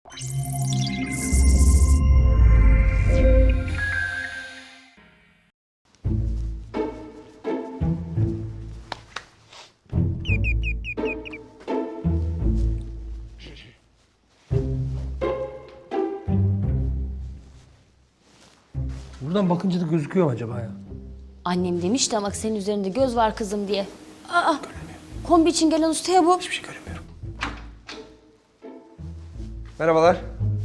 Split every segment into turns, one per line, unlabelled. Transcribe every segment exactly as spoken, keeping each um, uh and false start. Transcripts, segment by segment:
Buradan bakınca da gözüküyor mu acaba ya?
Annem demişti ama senin üzerinde göz var kızım diye. Aa, kombi için gelen ustaya bu.
Hiçbir şey göremiyorum. Merhabalar.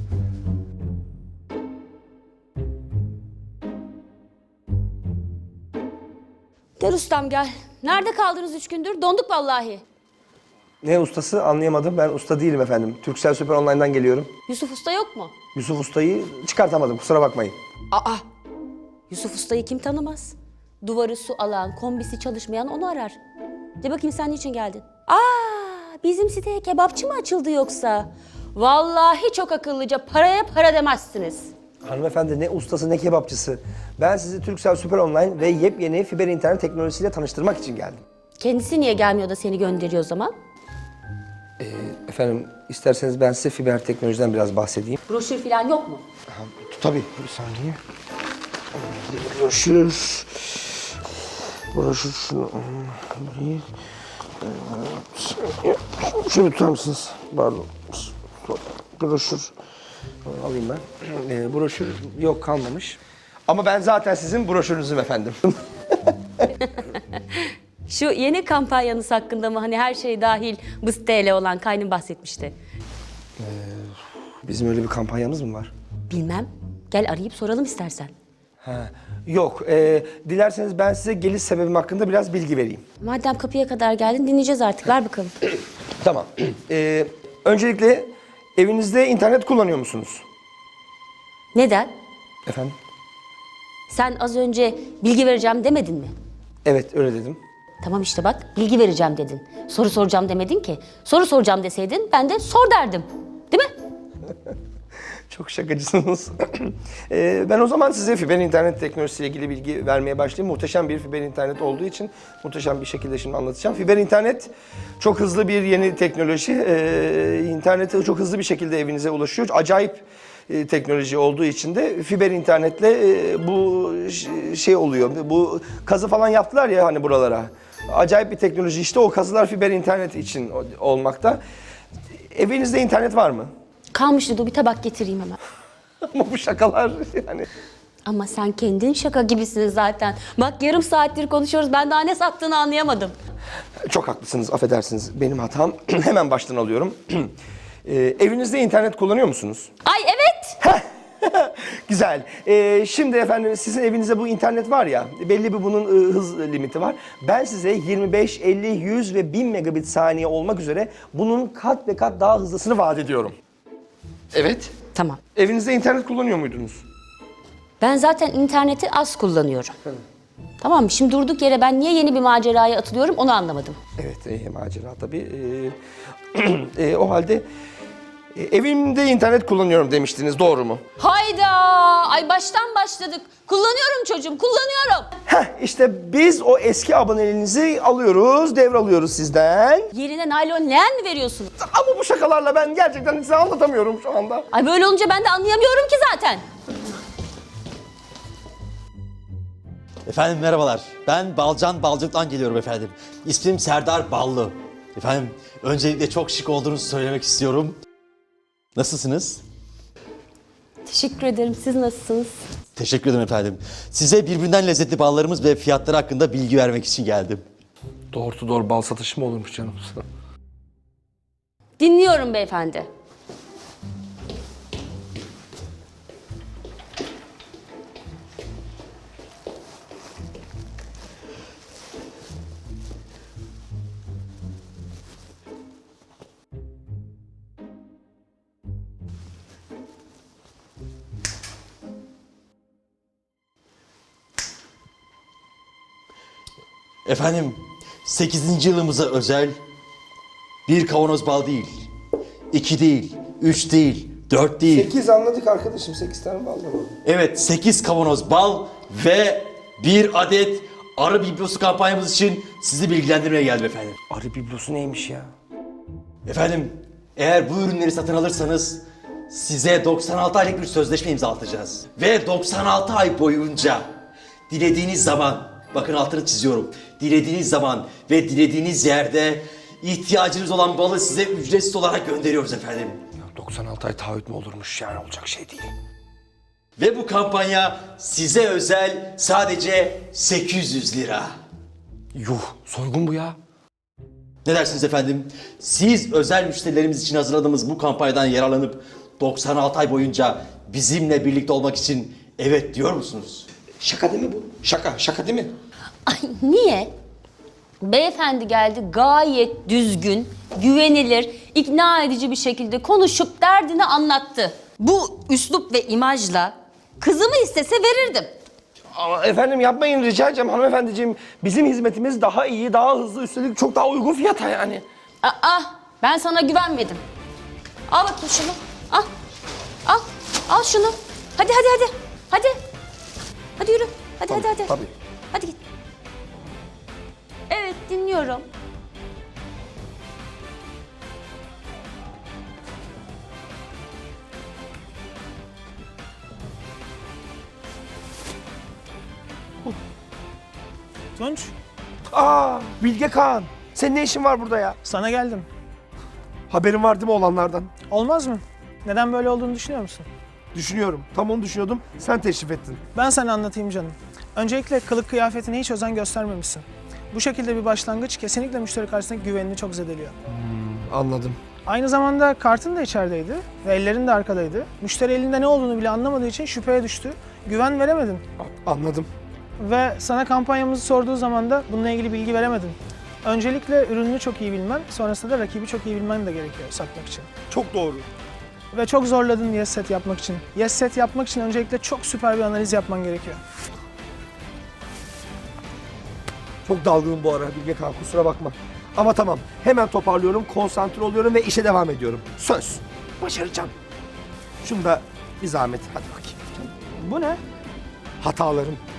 Gel ustam gel. Nerede kaldınız üç gündür? Donduk vallahi.
Ne ustası anlayamadım. Ben usta değilim efendim. Turkcell Süper Online'dan geliyorum.
Yusuf Usta yok mu?
Yusuf Usta'yı çıkartamadım, kusura bakmayın.
Aa, Yusuf Usta'yı kim tanımaz? Duvarı su alan, kombisi çalışmayan onu arar. De bakayım sen niçin geldin? Aa, bizim siteye kebapçı mı açıldı yoksa? Vallahi çok akıllıca, paraya para demezsiniz.
Hanımefendi ne ustası ne kebapçısı. Ben sizi Turkcell Süper Online ve yepyeni fiber internet teknolojisiyle tanıştırmak için geldim.
Kendisi niye gelmiyor da seni gönderiyor o zaman?
Ee, efendim isterseniz ben size fiber teknolojiden biraz bahsedeyim.
Broşür falan yok mu?
Ha, tabii bir saniye. Broşür. Broşür şunu. Şunu tutar mısınız? Pardon. Broşür. Alayım ben. Ee, broşür yok kalmamış. Ama ben zaten sizin broşürünüzüm efendim.
Şu yeni kampanyanız hakkında mı hani her şey dahil bu siteyle olan kaynım bahsetmişti.
Ee, bizim öyle bir kampanyamız mı var?
Bilmem. Gel arayıp soralım istersen.
Ha, yok. Ee, dilerseniz ben size geliş sebebim hakkında biraz bilgi vereyim.
Madem kapıya kadar geldin dinleyeceğiz artık. Ver bakalım.
Tamam. Ee, öncelikle evinizde internet kullanıyor musunuz?
Neden?
Efendim?
Sen az önce bilgi vereceğim demedin mi?
Evet öyle dedim.
Tamam işte bak bilgi vereceğim dedin. Soru soracağım demedin ki. Soru soracağım deseydin ben de sor derdim. Değil mi?
Çok şakacısınız. ee, ben o zaman size fiber internet teknolojisiyle ilgili bilgi vermeye başlayayım. Muhteşem bir fiber internet olduğu için muhteşem bir şekilde şimdi anlatacağım. Fiber internet çok hızlı bir yeni teknoloji. Ee, internete çok hızlı bir şekilde evinize ulaşıyor. Acayip e, teknoloji olduğu için de fiber internetle e, bu şey oluyor. Bu kazı falan yaptılar ya hani buralara. Acayip bir teknoloji işte o kazılar fiber internet için olmakta. Evinizde internet var mı?
Kalmıştı dur bir tabak getireyim hemen.
Ama bu şakalar yani.
Ama sen kendin şaka gibisin zaten. Bak yarım saattir konuşuyoruz ben daha ne sattığını anlayamadım.
Çok haklısınız, affedersiniz. Benim hatam. Hemen baştan alıyorum. ee, evinizde internet kullanıyor musunuz?
Ay evet.
Güzel. Ee, şimdi efendim sizin evinizde bu internet var ya, belli bir bunun e, hız limiti var. Ben size yirmi beş, elli, yüz ve bin megabit saniye olmak üzere bunun kat ve kat daha hızlısını vaat ediyorum. Evet.
Tamam.
Evinizde internet kullanıyor muydunuz?
Ben zaten interneti az kullanıyorum. Tamam mı? Şimdi durduk yere ben niye yeni bir maceraya atılıyorum onu anlamadım.
Evet, e, macera tabii. Ee, e, o halde e, evimde internet kullanıyorum demiştiniz, doğru mu?
Hayda! Ay baştan başladık. Kullanıyorum çocuğum, kullanıyorum.
Heh, işte biz o eski aboneliğinizi alıyoruz, devralıyoruz sizden.
Yerine naylon leğen mi veriyorsunuz?
Ama bu şakalarla ben gerçekten size anlatamıyorum şu anda.
Ay böyle olunca ben de anlayamıyorum ki zaten.
Efendim merhabalar. Ben Balcan Balcık'tan geliyorum efendim. İsmim Serdar Ballı. Efendim öncelikle çok şık olduğunuzu söylemek istiyorum. Nasılsınız?
Teşekkür ederim. Siz nasılsınız?
Teşekkür ederim efendim. Size birbirinden lezzetli ballarımız ve fiyatları hakkında bilgi vermek için geldim.
Doğru doğru bal satışı mı olurmuş canım?
Dinliyorum beyefendi.
Efendim sekizinci yılımıza özel bir kavanoz bal değil, iki değil, üç değil, dört değil.
sekiz anladık arkadaşım, sekiz tane bal var.
Evet, sekiz kavanoz bal ve bir adet arı biblosu kampanyamız için sizi bilgilendirmeye geldim efendim.
Arı biblosu neymiş ya?
Efendim, eğer bu ürünleri satın alırsanız size doksan altı aylık bir sözleşme imzalatacağız. Ve doksan altı ay boyunca dilediğiniz zaman, bakın altını çiziyorum, dilediğiniz zaman ve dilediğiniz yerde ihtiyacınız olan balı size ücretsiz olarak gönderiyoruz efendim.
Ya doksan altı ay taahhüt mü olurmuş, yani olacak şey değil.
Ve bu kampanya size özel sadece sekiz yüz lira.
Yuh, soygun bu ya.
Ne dersiniz efendim? Siz özel müşterilerimiz için hazırladığımız bu kampanyadan yararlanıp doksan altı ay boyunca bizimle birlikte olmak için evet diyor musunuz?
Şaka değil mi bu? Şaka, şaka değil mi?
Ay niye? Beyefendi geldi gayet düzgün, güvenilir, ikna edici bir şekilde konuşup derdini anlattı. Bu üslup ve imajla kızımı istese verirdim.
Ama efendim yapmayın, rica edeceğim hanımefendiciğim. Bizim hizmetimiz daha iyi, daha hızlı, üstelik çok daha uygun fiyata yani.
Aa, ben sana güvenmedim. Al bakayım şunu. Al. Al. Al şunu. Hadi hadi hadi. Hadi. Hadi yürü. Hadi
Tabii,
hadi hadi.
tabii.
Hadi git. Evet, dinliyorum.
Tunç,
Aa, Bilge Kağan. Senin ne işin var burada ya?
sana geldim.
Haberin var değil mi olanlardan?
Olmaz mı? Neden böyle olduğunu düşünüyor musun?
Düşünüyorum. Tam onu düşünüyordum. Sen teşrif ettin.
Ben sana anlatayım canım. Öncelikle kılık kıyafetine hiç özen göstermemişsin. Bu şekilde bir başlangıç kesinlikle müşteri karşısındaki güvenini çok zedeliyor.
Anladım.
Aynı zamanda kartın da içerideydi ve ellerin de arkadaydı. Müşteri elinde ne olduğunu bile anlamadığı için şüpheye düştü. Güven veremedin.
Anladım.
Ve sana kampanyamızı sorduğu zaman da bununla ilgili bilgi veremedin. Öncelikle ürününü çok iyi bilmen, sonrasında da rakibi çok iyi bilmen de gerekiyor satmak için.
Çok doğru.
Ve çok zorladın yes set yapmak için. Yes set yapmak için öncelikle çok süper bir analiz yapman gerekiyor.
Çok dalgınım bu ara Bilge Kağan, kusura bakma. Ama tamam, hemen toparlıyorum, konsantre oluyorum ve işe devam ediyorum. Söz. Başaracağım. Şunu da bir zahmet, hadi bakayım.
Bu ne?
Hatalarım.